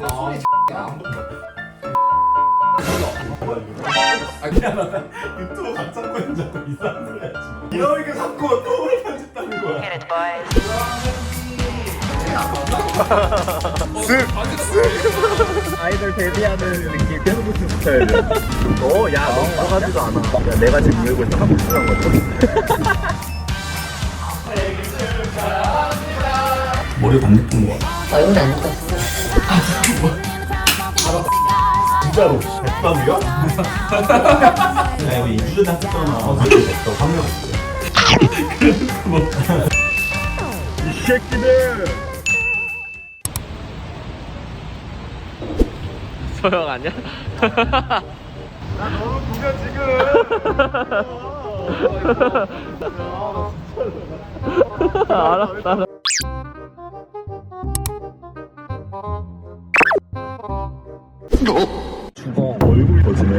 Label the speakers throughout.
Speaker 1: 소리 야.
Speaker 2: 아 미안하다. 유튜브 각자 거인 자꾸 이상한 소리 하지 마. 이러니까 자꾸 똥을 편집하는 거야.
Speaker 3: 아이돌 데뷔하는 느낌 계속 스타일. 야, 너 들어가지도 않아. 야, 내가 지금 이러고 있어. 하고 싶은 거죠?
Speaker 2: 머리 반대편 거.
Speaker 1: 얼굴 안 예뻤어.
Speaker 2: 진짜로? 백밥이야? 야 이거 2주 전에 했잖아. 어제 됐어. 3년 했어.
Speaker 3: 이 새끼들!
Speaker 4: 소영 아니야?
Speaker 3: 나 너무 구겨 지금!
Speaker 4: 알았어.
Speaker 3: 죽어. 얼굴 거지네.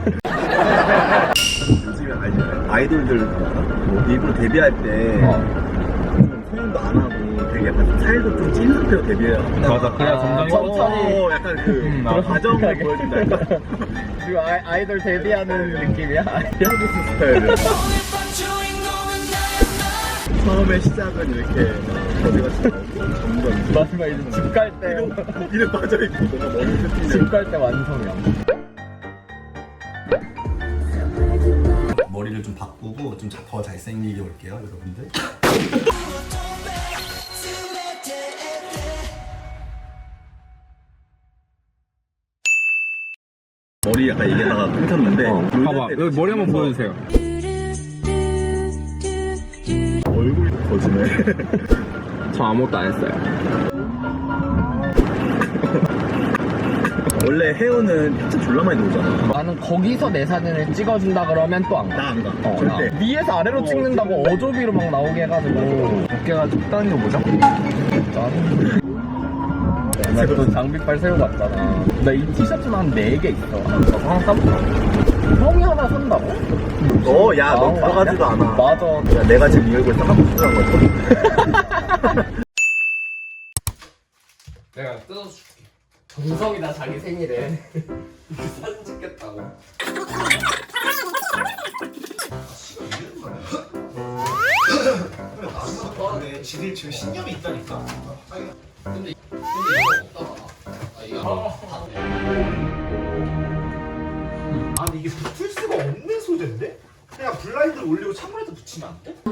Speaker 3: 요즘에 아이돌들 뭐 일부러 데뷔할 때 소년도 안 하고 되게 약간 살도 좀 찐 상태로 데뷔해요.
Speaker 4: 맞아. 그래야
Speaker 3: 천천히 약간 그런 과정을 보여준다.
Speaker 4: 지금 아이돌 데뷔하는 느낌이야?
Speaker 3: 피아노 스타일. 처음에 시작은 이렇게 거리같이 나오고 점점
Speaker 4: 마지막 이제 집 갈 때.
Speaker 3: 이름 빠져있고 뭔가 머리 세팅이
Speaker 4: 집 갈 때 완성이야.
Speaker 2: 머리를 좀 바꾸고 좀 더 잘생기게 올게요, 여러분들.
Speaker 3: 머리 약간 얘기하다가 끊겼는데
Speaker 4: 봐봐. 여기 머리 한번 보여주세요.
Speaker 3: 얼굴 거지네.
Speaker 4: 저 아무것도 안 했어요.
Speaker 3: 원래 헤어는 진짜 졸라 많이 나오잖아.
Speaker 4: 나는 거기서 내 사진을 찍어준다 그러면 또 안 가.
Speaker 3: 나 안 가.
Speaker 4: 나
Speaker 3: 절대.
Speaker 4: 위에서 아래로 찍는다고 어조비로 막 나오게 해가지고 어깨가 적당히 보자. 짠. 나또 장비빨 새우 같잖아. 나 이 티셔츠만 한 4개 있어. 너 하나 사볼까? 형이 하나 산다고?
Speaker 3: 야, 너 들어가지도 않아.
Speaker 4: 맞아.
Speaker 3: 야, 내가 지금 이 얼굴 딱 하고 싶은 거죠?
Speaker 1: 내가 뜯어줄게. 정석이다 자기 생일에 사진 찍겠다고.
Speaker 2: 근데 지들 지금 신념이 있다니까.
Speaker 1: 근데 이거 없다.
Speaker 2: 아니 이게 붙을 수가 없는 소재인데? 그냥 블라인드를 올리고 창문에다 붙이면 안 돼?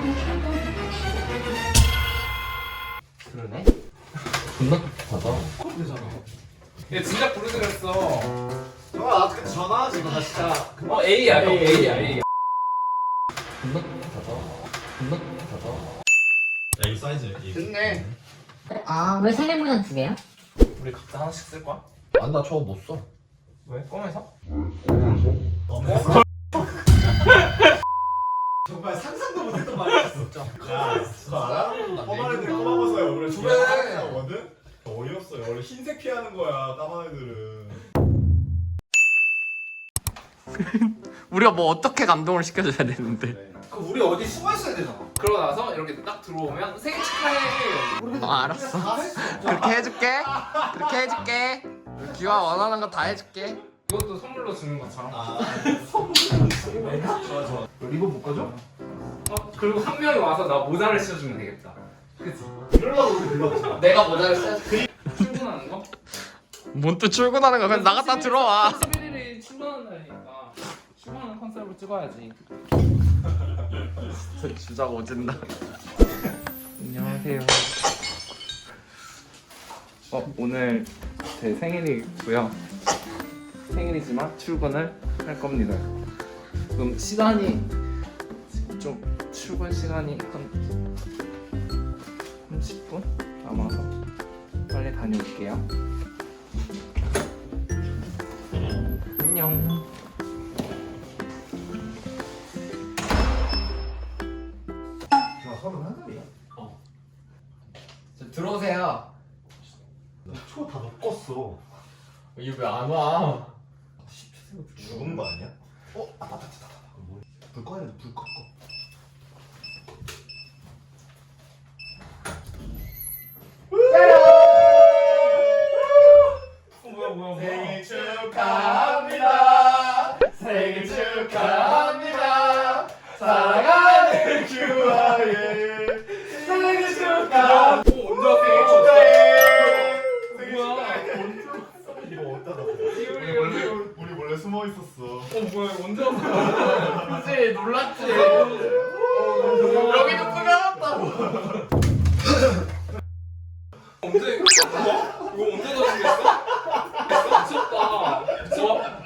Speaker 1: 그러네. 존나 급하다.
Speaker 2: 그럼 되잖아.
Speaker 1: 얘 진짜 부르드렸어.
Speaker 2: 정아 나한테 그때 전화하지 마 진짜.
Speaker 1: A야 형 A야 A. 존나 급하다. 존나 급하다.
Speaker 2: 야 이거 사이즈 여기.
Speaker 1: 됐네.
Speaker 5: 아, 왜 생일 모양 2개야?
Speaker 1: 우리 각자 하나씩 쓸 거야?
Speaker 2: 아니 나 저거 못 써.
Speaker 1: 왜? 꿈에서?
Speaker 2: 정말 상상도 못했던 말이었어. 야, 진짜. 까만 애들 까마버서요. 그래.
Speaker 1: 그래.
Speaker 2: 하거든. 어이없어요. 원래 흰색 피하는 거야. 까만 애들은.
Speaker 4: 우리가 뭐 어떻게 감동을 시켜줘야 되는데.
Speaker 2: 그 우리 어디 숨어 있어야 되잖아.
Speaker 1: 그러고 나서 이렇게 딱 들어오면 생일 축하해.
Speaker 4: 알았어. 그렇게 해줄게. 그렇게 해줄게. 기와 원하는 거 다 해줄게.
Speaker 1: 이것도 선물로 주는 것처럼.
Speaker 2: 아, 선물을 주네. 좋아 좋아. 리본 못 가져?
Speaker 1: 그리고 한 명이 와서 나 모자를 씌워주면 되겠다. 그치?
Speaker 2: 이러려고 우리 불렀잖아.
Speaker 1: 내가 모자를 씌워줄게. 출근하는 거?
Speaker 4: 뭔 또 출근하는 거야? 그냥 나갔다 들어와.
Speaker 1: 11일이 출근하는 날이니까 출근하는 컨셉으로 찍어야지.
Speaker 4: 진짜 오진다. 안녕하세요. 오늘 제 생일이고요. 생일이지만 출근을 할 겁니다. 그럼 시간이 좀 출근 시간이 한 30분 남아서 빨리 다녀올게요. 안녕.
Speaker 2: 나 31살이야.
Speaker 1: 들어오세요.
Speaker 2: 초다 꺾었어.
Speaker 1: 이거 왜 안 와?
Speaker 2: 죽은 거 아니야? 불 꺼야 돼. 불 꺼. 생일 축하합니다. 생일 축하합니다. 사랑하는 규아의 생일 축하.
Speaker 1: 언제 왔어?
Speaker 2: 생일 축하해. 생일 축하해. 이거 어디다 놨어? 우리 원래 숨어 있었어.
Speaker 1: 뭐야 언제 왔어?
Speaker 4: 그치 놀랐지. 여기도 꾸며놨다고.
Speaker 1: 언제 이거 언제 넣어주겠어? 미쳤다. 미쳐.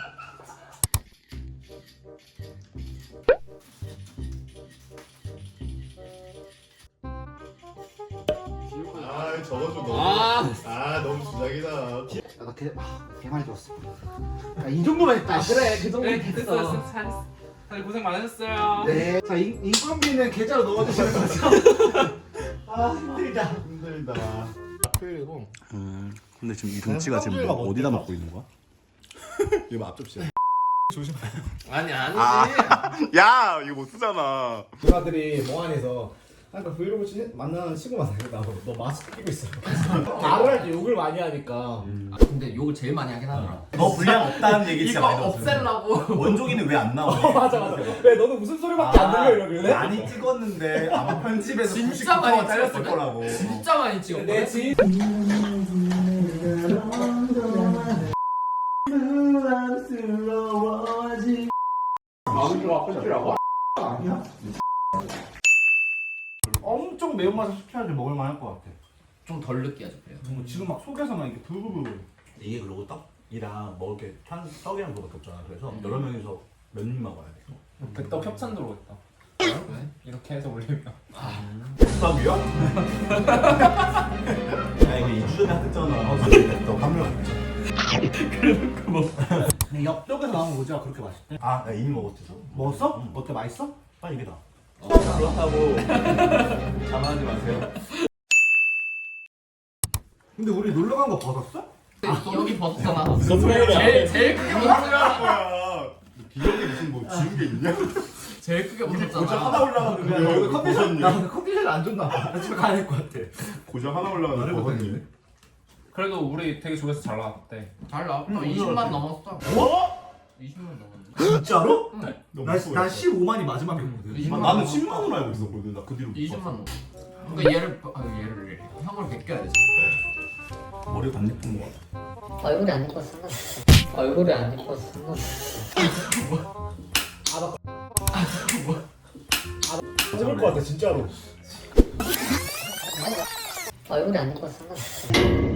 Speaker 2: 아 저거 좀 너무. 너무 주작이다.
Speaker 6: 나 개 많이 줬어. 이 정도만 했다.
Speaker 5: 그래 그 정도
Speaker 1: 됐어
Speaker 5: 됐어.
Speaker 1: 됐어. 다들 고생 많으셨어요.
Speaker 6: 네. 자, 인건비는 계좌로 넣어주시는 거죠? 아, 힘들다.
Speaker 2: 힘들다.
Speaker 1: 그리고
Speaker 3: 근데 지금 이 동치가 지금 어디다 먹고 있는 거야?
Speaker 2: 이거 앞접시야.
Speaker 1: 아니 아니지.
Speaker 2: 야 이거 못 쓰잖아.
Speaker 6: 누나들이 몽환에서 그러니까 브이로그 만나는 친구만 나고 너 마스크 끼고 있어. 말을 할 때 욕을 많이 하니까.
Speaker 1: 근데 욕을 제일 많이 하긴 하더라.
Speaker 3: 너 분량 없다는 얘기 진짜 많이
Speaker 4: 이거
Speaker 3: 들었어요.
Speaker 4: 없애려고.
Speaker 3: 원종이는 왜 안 나와?
Speaker 6: 맞아. 왜 너는 무슨 소리밖에 안 들려 이러길래?
Speaker 3: 많이 찍었는데 아마 편집에서
Speaker 4: 진짜
Speaker 3: 99%가
Speaker 4: 많이
Speaker 3: 잘렸을
Speaker 4: 찍었거든?
Speaker 3: 거라고.
Speaker 4: 진짜 많이 찍었거든.
Speaker 6: 내 지인 엄청 매운맛을 시켜야지 먹을만 할 것 같아.
Speaker 4: 좀 덜 느끼하죠 그래요.
Speaker 6: 지금 막 속에서만 이렇게 부글부글.
Speaker 3: 이게 그리고 떡이랑 먹을 게 떡이랑 그거밖에 없잖아. 그래서 여러 명이서 몇 입 먹어야 돼.
Speaker 1: 백덕 협찬 들어오겠다.
Speaker 4: 왜?
Speaker 1: 이렇게 해서 올리면.
Speaker 3: 떡이요? 야 이게 2주 전에 했잖아. 떡 한 명.
Speaker 6: 근데 옆쪽에서 나온 모자가 그렇게 맛있대.
Speaker 3: 아, 나 이미 먹었지.
Speaker 6: 먹었어? 어때 맛있어?
Speaker 3: 빨리 이게 다.
Speaker 1: 그렇다고 자만하지 마세요.
Speaker 6: 근데 우리 놀러 간 거 벗었어?
Speaker 4: 여기 벗었잖아. 제일 크게 벗었잖아.
Speaker 2: 뭐야? 기억에 무슨 뭐 지운 게 있냐?
Speaker 4: 제일 크게
Speaker 2: 고장
Speaker 4: 벗었잖아.
Speaker 2: 하나 올라갔는데
Speaker 6: 야,
Speaker 2: 여기
Speaker 6: 컨디션 나
Speaker 2: 벗었니?
Speaker 6: 컨디션이 안 좋나 봐. 나 집에 가야 될 것 같아.
Speaker 2: 고장 하나 올라갔는데 벗었니?
Speaker 1: 그래도 우리 되게 조회수 잘 나왔대.
Speaker 4: 잘 나왔다. 20만 넘었어.
Speaker 2: 어?
Speaker 4: 20만 넘었는데.
Speaker 6: 진짜로?
Speaker 2: 너무
Speaker 6: 나
Speaker 2: 무서워.
Speaker 6: 15만이 마지막이었거든.
Speaker 4: 20만
Speaker 2: 나는
Speaker 4: 넘었어.
Speaker 2: 10만으로 알고 있었거든. 나 그 뒤로
Speaker 4: 20만 넘었어. 그러니까 얘를 형을 베껴야 돼.
Speaker 3: 머리가 안 예쁜 거 같아.
Speaker 5: 얼굴이 안 예뻐서 상관없어. 얼굴이 안 예뻐서 상관없어.
Speaker 6: 찍을 것 같아 진짜로.
Speaker 5: 얼굴이 안 예뻐서 상관없어.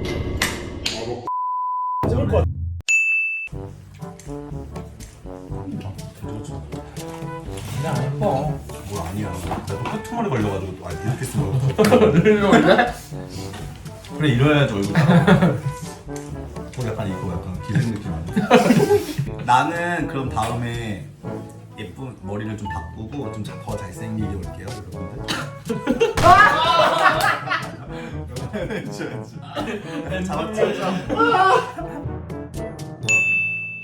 Speaker 6: 찍을 것 같아.
Speaker 3: 뭐 아니야. 내가 코트머리 걸려가지고 이렇게 쓰는 거. 그래 이래야지 얼굴 따라. 약간 이거 약간 기생 느낌 아니야? 나는 그럼 다음에 예쁜 머리를 좀 바꾸고 좀 더 잘생기게 올게요 여러분들.
Speaker 2: 해줘야지.
Speaker 3: 잡았지?